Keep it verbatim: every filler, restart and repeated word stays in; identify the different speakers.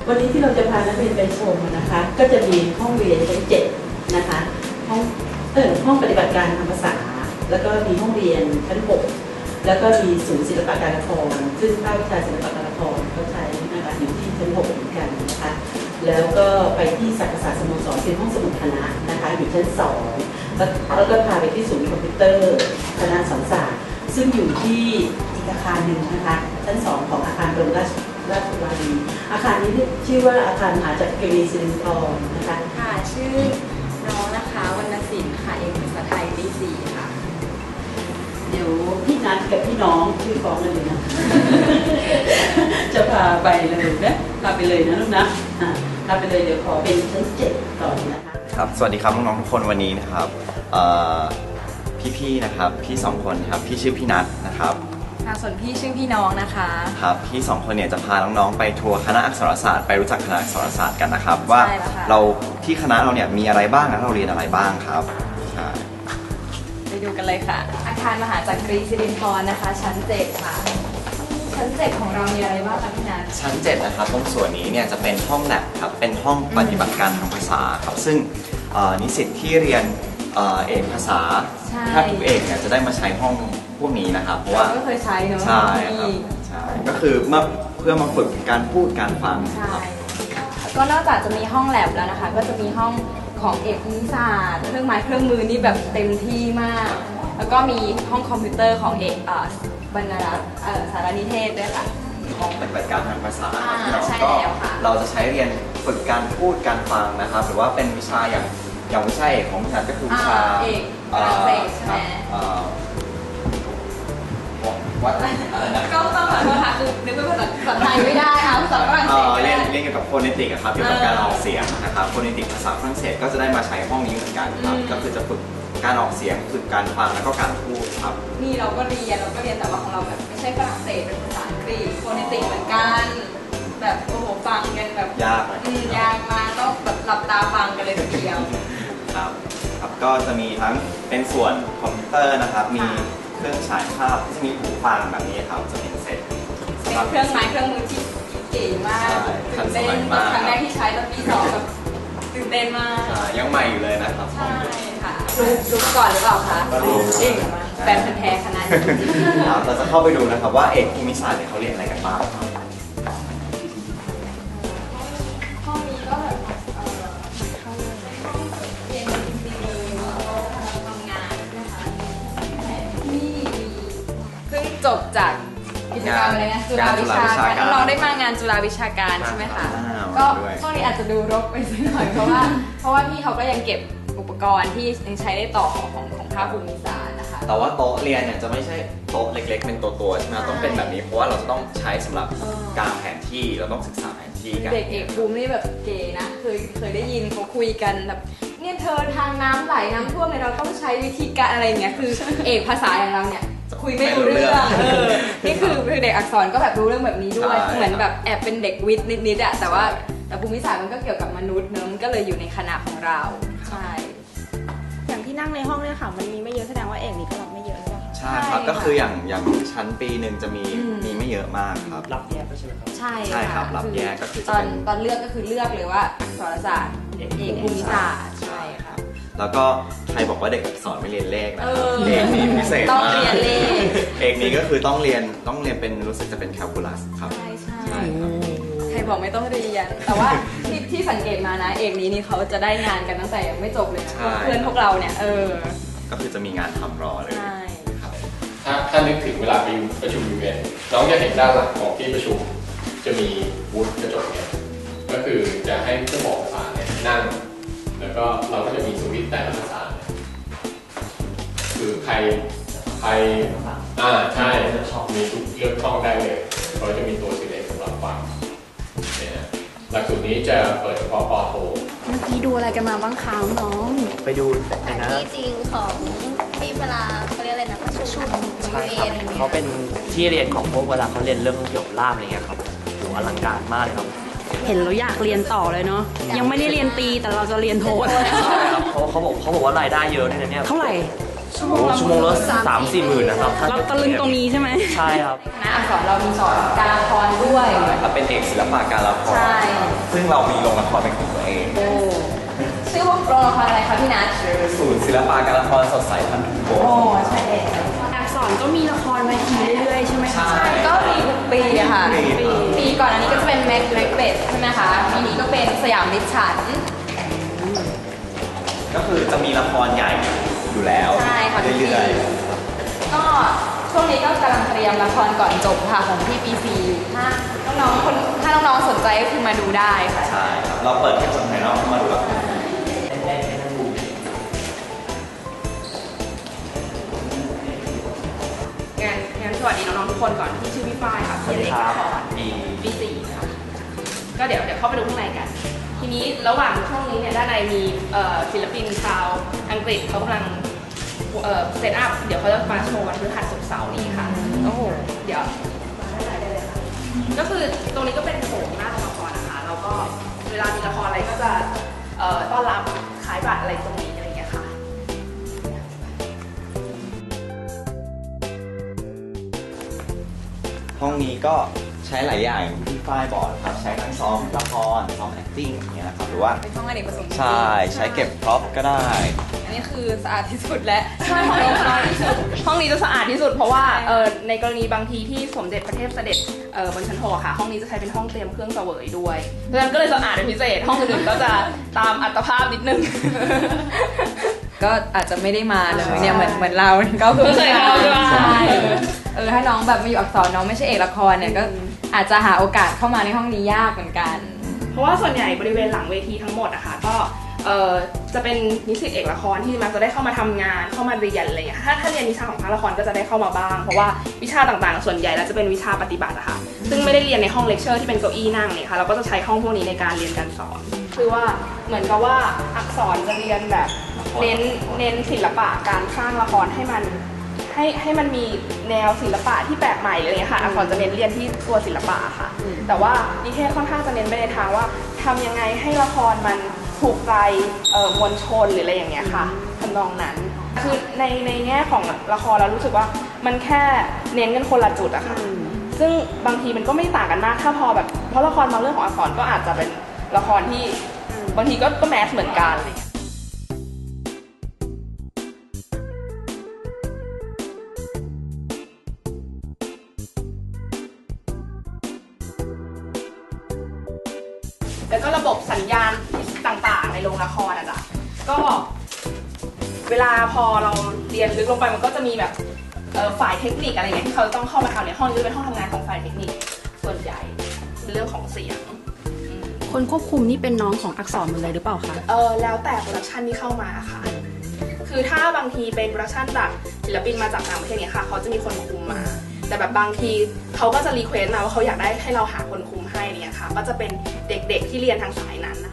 Speaker 1: วันนี้ที่เราจะพานักเรียนไปชมนะคะก็จะมีห้องเรียนชั้นเจ็ดนะคะห้องเออห้องปฏิบัติการทางภาษาแล้วก็มีห้องเรียนชั้นหกแล้วก็มีศูนย์ศิลปะการละครซึ่งภาควิชาศิลปะการละครเขาใช้นะคะอยู่ที่ชั้นหกเหมือนกันนะคะแล้วก็ไปที่สาขาสโมสรเป็นห้องสมุดคณะนะคะอยู่ชั้นสองแล้วก็พาไปที่ศูนย์คอมพิวเตอร์คณะสังศาสตร์ซึ่งอยู่ที่อีกอาคารหนึ่งนะคะชั้นสองของอาคารบรมราชราชวารีอาคารนี้ชื่อว่าอาคารมหาจักรีสิรินธรนะคะ
Speaker 2: ค่ะชื่อน้องนะคะวรรณศิลป์ค่ะเอกภาษาไทยปีสี่ค่ะ
Speaker 1: เดี๋ยวพี่นัทกับพี่น้องชื่อฟ้องกันเลยนะจะพาไปเลยนะพาไปเลยนะลูกนะพาไปเลยเดี๋ยวขอเป็นชั้นเจ็ดต่อนะคะ
Speaker 3: ครับสวัสดีครับน้องๆทุกคนวันนี้นะครับพี่ๆนะครับพี่สองคนครับพี่ชื่อพี่นัทนะครับ
Speaker 2: ส่วนพี่ชื่อพี่น้องนะคะ
Speaker 3: ครับพี่สองคนเนี่ยจะพาน้องๆไปทัวร์คณะอักษรศาสตร์ไปรู้จักคณะอักษรศาสตร์กันนะครับว่าเราที่คณะเราเนี่ยมีอะไรบ้างและเราเรียนอะไรบ้างครับ
Speaker 2: ไปดูกันเลยค่ะอาคารมหาจักรีสิรินธรนะคะชั้นเจ็ดค่ะชั้นเจ็ดของเรามีอะไรบ้างคะพี่นัท
Speaker 3: ชั้นเจ็ดนะครับตรงส่วนนี้เนี่ยจะเป็นห้องแลบครับเป็นห้องปฏิบัติการทางภาษาครับซึ่งนิสิตที่เรียนเอกภาษาถ้าทุกเอกเนี่ยจะได้มาใช้ห้องพวกนี้นะครับเพราะว่า
Speaker 2: ก็เคยใช้เนอะ
Speaker 3: ใช่ครับใช่ก็คือเมื่อเพื่อมาฝึกการพูดการฟัง
Speaker 2: ใช่ก็นอกจากจะมีห้องแลบแล้วนะคะก็จะมีห้องของเอกนิศาสตร์เครื่องไม้เครื่องมือนี่แบบเต็มที่มากแล้วก็มีห้องคอมพิวเตอร์ของเอกบรรณารักษ์สารนิเทศด้วยค่ะ
Speaker 3: ห้องปฏิบัติการทางภาษาก็เราจะใช้เรียนฝึกการพูดการฟังนะครับหรือว่าเป็นวิชาอย่างอย่างวิชาเอกของฉันก็คือวิชา
Speaker 2: เอกฝรั่งเศสใช่ไหม
Speaker 3: วัด
Speaker 2: ก็ต้องขอโทษค่ะคือนึกเป็นภาษาไทยไม่ได้ค่ะภาษาฝรั่งเศส
Speaker 3: เรียนเรียนเกี่ยวกับโฟเนติกครับเกี่ยวกับการออกเสียงนะครับโฟเนติกภาษาฝรั่งเศสก็จะได้มาใช้ห้องนี้เหมือนกันครับก็คือจะฝึกการออกเสียงฝึกการฟังแล้วก็การพูดครับ
Speaker 2: นี่เราก็เรียนเราก็เรียนแต่ว่าของเราแบบไม่ใช่ฝรั่งเศสเป็นภาษาอังกฤษโฟเนติกเหมือนกันแบบโอ้โหฟังกันแบบ
Speaker 3: ยากเลย
Speaker 2: ยากมากต้องแบบหลับตาฟังกันเลยทีเดียว
Speaker 3: ครับครับก็จะมีทั้งเป็นส่วนคอมพิวเตอร์นะครับมีเครื่องฉายภาพที่มีหูฟังแบบนี้ครับจะเป็นเซ็ต
Speaker 2: เป็นเครื่องไม้เครื่องมือที่เก๋มากตื่นเต้นครั้งแรกที่ใช้ตอนปีสองแบบตื่นเต้นมาก
Speaker 3: ยังใหม่อยู่เลยนะครับ
Speaker 2: ใช่ค่ะรู้รู้ก่อนหรือเปล่าคะรู้เองมาแฟนพันธุ์แท้ขนาดนี้
Speaker 3: เราจะเข้าไปดูนะครับว่าเอกภูมิศาสตร์เนี่ยเขาเรียนอะไรกันบ้าง
Speaker 2: ห้องนี้ก็แบบเรียนจริงๆเลยทำงานนะคะนี่ซึ่งจบจากกิจกรรมอะไรนะจุฬาวิชาการน้องได้มางานจุฬาวิชาการใช่ไหมคะก็ช่วงนี้อาจจะดูรกไปสักหน่อยเพราะว่าเพราะว่าพี่เขาก็ยังเก็บอุปกรณ์ที่ยังใช้ได้ต่อของของภาคภูมิศาสตร์นะคะ
Speaker 3: แต่ว่าโต๊ะเรียนเนี่ยจะไม่ใช่โต๊ะเล็กๆเป็นตัวๆใช่ไหมต้องเป็นแบบนี้เพราะว่าเราจะต้องใช้สำหรับการแผนที่เราต้องศึกษาแผนที่กัน
Speaker 2: เด็กเอกภูมินี่แบบเก๋นะเคยเคยได้ยินเขาคุยกันแบบเนี่ยเธอทางน้ำไหลน้ำท่วมเนี่ยเราต้องใช้วิธีการอะไรอย่างเงี้ยคือเอกภาษาอย่างเราเนี่ยคุยไม่รู้เรื่องเออนี่คือเด็กอักษรก็แบบรู้เรื่องแบบนี้ด้วยเหมือนแบบแอบเป็นเด็กวิทย์นิดๆอะแต่ว่าแต่ภูมิศาสตร์มันก็เกี่ยวกับมนุษย์เนอะมันก็เลยอยู่ในคณะของเราใช่
Speaker 4: อย่างที่นั่งในห้องเนี่ยค่ะมันมีไม่เยอะแสดงว่าเอกนี่ก็รับไม่เยอะใช่ไหม
Speaker 3: ใช่ครับก็คืออย่างอย่างชั้นปีหนึ่งจะมีมีไม่เยอะมากครับ
Speaker 5: รับแยกใช่ไหมครับ
Speaker 2: ใช่
Speaker 3: ใช่ครับรับแยกก็คือ
Speaker 2: ตอนตอนเลือกก็คือเลือกเลยว่าอักษรศาสตร์เอกภูมิศาสตร์ใช่ครับ
Speaker 3: แล้วก็ใครบอกว่าเด็กอักษรไม่เรียนเลขนะครับเอกนี้พิเศษ
Speaker 2: ต้องเรียนเลข
Speaker 3: เอกนี้ก็คือต้องเรียนต้องเรียนเป็นรู้สึกจะเป็นแคลคูลัสครับ
Speaker 2: ใช่ใช่ใครบอกไม่ต้องเรียนแต่ว่าที่ที่สังเกตมานะเอกนี้นี่เขาจะได้งานกันตั้งแต่ยังไม่จบเลยนะเพื่อนพวกเราเนี่ยเออ
Speaker 3: ก็คือจะมีงานทำรอเลย
Speaker 2: ครับ
Speaker 5: ถ้าถ้านึกถึงเวลาไปประชุมอีเวนต์น้องจะเห็นด้านหลังของที่ประชุมจะมีบูธกระจกเนี่ยก็คือจะให้เจ้าของภาษาเนี่ยนั่งแล้วก็เราก็จะมีสวิตช์แต่ละภาษาคือใครใครอ่าใช่มีทุกเลือกช่องได้เลยเขาจะมีตัวสีแดงสำหรับฟังเนี่ยหลักสูตรนี้จะเปิดเฉพาะปอโท
Speaker 4: เมื่อกี้ดูอะไรกันมาบ้างคะน้อง
Speaker 5: ไปดู
Speaker 6: นะที่จริงของที่เวลาเขาเรียกอะไรนะประชุม
Speaker 5: ใช่ครับเขาเป็นที่เรียนของพวกเวลาเขาเรียนเรื่องเกี่ยวกับล่ามอะไรเงี้ยครับโหอลังการมากเลยครับ
Speaker 4: เห็นเราอยากเรียนต่อเลยเนาะยังไม่ได้เรียนตีแต่เราจะเรียนโท
Speaker 5: ใช่ครับเขาเขาบอกเขาบอกว่ารายได้เยอะด้วยนะเนี่ย
Speaker 4: เท่าไหร่
Speaker 5: ชั่วโมงชั่วโมงละสามสี่หมื่นนะครับ
Speaker 4: เราตะลึงตรงนี้ใช่ไหม
Speaker 5: ใช่ครับ
Speaker 2: คณะอักษรเรามีสอนการละครด้วยด้วย
Speaker 3: ครับเป็นเอกศิลปะการละคร
Speaker 2: ใช่
Speaker 3: ซึ่งเรามีโรงละครเป็นของตัวเอง
Speaker 2: โอ้ชื่อว่าโรงละครอะไรคะพี่นัท
Speaker 3: ชื่อศูนย์ศิลปะการละครสดใสพันธุโก
Speaker 2: โอ้ใช่เอง
Speaker 4: อักษรก็มีละครเวทีเรื่อยๆใช่ไหมคะ
Speaker 3: ใช่
Speaker 2: ก็มีทุกปีอะค่ะ
Speaker 3: ปี
Speaker 2: ปีก่อนอันนี้ก็จะเป็นแม็กแม็กเบสใช่ไหมคะปีนี้ก็เป็นสยามลิชฉัน
Speaker 3: ก็คือจะมีละครใหญ่อยู่แล้ว
Speaker 2: ใช่ค่ะ
Speaker 3: เรื่อย
Speaker 2: ก็ช่วงนี้ก็กำลังเตรียมละครก่อนจบค่ะของพี่ปีสี่ถ้าน้องๆคนถ้าน้องๆสนใจก็คือมาดูได้ค่ะ
Speaker 3: ๆใช่ครับเราเปิดให้คนภายนอกเข้ามาดูละคร
Speaker 4: งั้นงั้นสวัสดีน้องๆทุกคนก่อนที่ชื่อพี่ฝ้ายค่ะพี่เล็กละคร
Speaker 3: มี
Speaker 4: ปีสี่ค่ะก็เดี๋ยวเดี๋ยวเข้าไปดูข้างในกัน ทีนี้ระหว่างช่วงนี้เนี่ยด้านในมีเอ่อศิลปินชาวอังกฤษเขากำลังเอ่อเซตอัพเดี๋ยวเขาจะมาโชว์วันพฤหัสศุกร์เสาร์นี้ค่ะ
Speaker 2: โอ้โห
Speaker 4: เดี๋ยวมาด้านในได้เลยค่ะก็คือตรงนี้ก็เป็นโถงหน้าโรงละครนะคะแล้วก็เวลามีละครอะไรก็จะเอ่อต้อนรับขายบัตรอะไรตรงนี้อะไรอย่างเงี้ยค่ะ
Speaker 3: ห้องนี้ก็ใช้หลายอย่างอย่างที่ฝ้ายบอกครับใช้ทั้งซ้อมละครซ้อม acting อย่างเงี้ยครับหรือว่า
Speaker 2: เป็นห้องอเนกประสงค์
Speaker 3: ใช่ใช้เก็บพร็อพก็ได้
Speaker 2: อันนี้คือสะอาดที่สุดและ
Speaker 4: ใช่ห้องนี้สะอาดที่สุดห้องนี้จะสะอาดที่สุดเพราะว่าเอ่อในกรณีบางทีที่สมเด็จพระเทพเสด็จเอ่อบนชั้นหกอะค่ะ ห้องนี้จะใช้เป็นห้องเตรียมเครื่องเสวยด้วยเพราะฉะนั้นก็เลยสะอาดเป็นพิเศษห้องอื่นๆก็จะตามอัตภาพนิดนึง
Speaker 2: ก็อาจจะไม่ได้มาเลยเนี่ยเหมือนเหมือนเราก็คือ
Speaker 4: ไม่เคยเข้าใช่ไหม
Speaker 2: ใช่เออถ้าน้องแบบมาอยู่อักษรน้องไม่ใช่เอกละครเนี่ยก็อาจจะหาโอกาสเข้ามาในห้องนี้ยากเหมือนกัน
Speaker 4: เพราะว่าส่วนใหญ่บริเวณหลังเวทีทั้งหมดอะค่ะก็เอ่อจะเป็นนิสิตเอกละครที่มักจะได้เข้ามาทำงานเข้ามาเรียนอะไรอย่างเงี้ยถ้าถ้าเรียนวิชาของภาคละครก็จะได้เข้ามาบ้างเพราะว่าวิชาต่างๆส่วนใหญ่แล้วจะเป็นวิชาปฏิบัติอะค่ะซึ่งไม่ได้เรียนในห้องเลคเชอร์ที่เป็นเก้าอี้นั่งเนี่ยค่ะเราก็จะใช้ห้องพวกนี้ในการเรียนการสอนคือว่าเหมือนกับว่าอักษรจะเรียนแบบเน้นเน้นศิลปะการสร้างละครให้มันให้ให้มันมีแนวศิลปะที่แปลกใหม่อะไรอย่างเงี้ยค่ะอักษรจะเน้นเรียนที่ตัวศิลปะค่ะแต่ว่านิเทศค่อนข้างจะเน้นไปในทางว่าทำยังไงให้ละครมันถูกใจเอ่อมวลชนหรืออะไรอย่างเงี้ยค่ะทำนองนั้นคือในในแง่ของละครเรารู้สึกว่ามันแค่เน้นกันคนละจุดอะค่ะซึ่งบางทีมันก็ไม่ต่างกันมากถ้าพอแบบเพราะละครบางเรื่องของอักษรก็อาจจะเป็นละครที่บางทีก็ก็แมสเหมือนกันอะไรอย่างเงี้ยแล้วก็ระบบสัญญาณต่างๆในโรงละครอะจ้ะก็เวลาพอเราเรียนลึกลงไปมันก็จะมีแบบเอ่อฝ่ายเทคนิคอะไรอย่างเงี้ยที่เขาต้องเข้ามาทำในห้องนี้จะเป็นห้องทำงานของฝ่ายเทคนิคส่วนใหญ่เป็นเรื่องของเสียง
Speaker 7: คนควบคุมนี่เป็นน้องของอักษรหมดเลยหรือเปล่าคะ
Speaker 4: เออแล้วแต่โปรดักชันที่เข้ามาค่ะ คือถ้าบางทีเป็นโปรดักชันจากศิลปินมาจากต่างประเทศเนี่ยค่ะเขาจะมีคนคุมมา แต่แบบบางทีเขาก็จะรีเควสต์มาว่าเขาอยากได้ให้เราหาคนคุมให้เนี่ยค่ะ ก็จะเป็นเด็กๆที่เรียนทางสายนั้น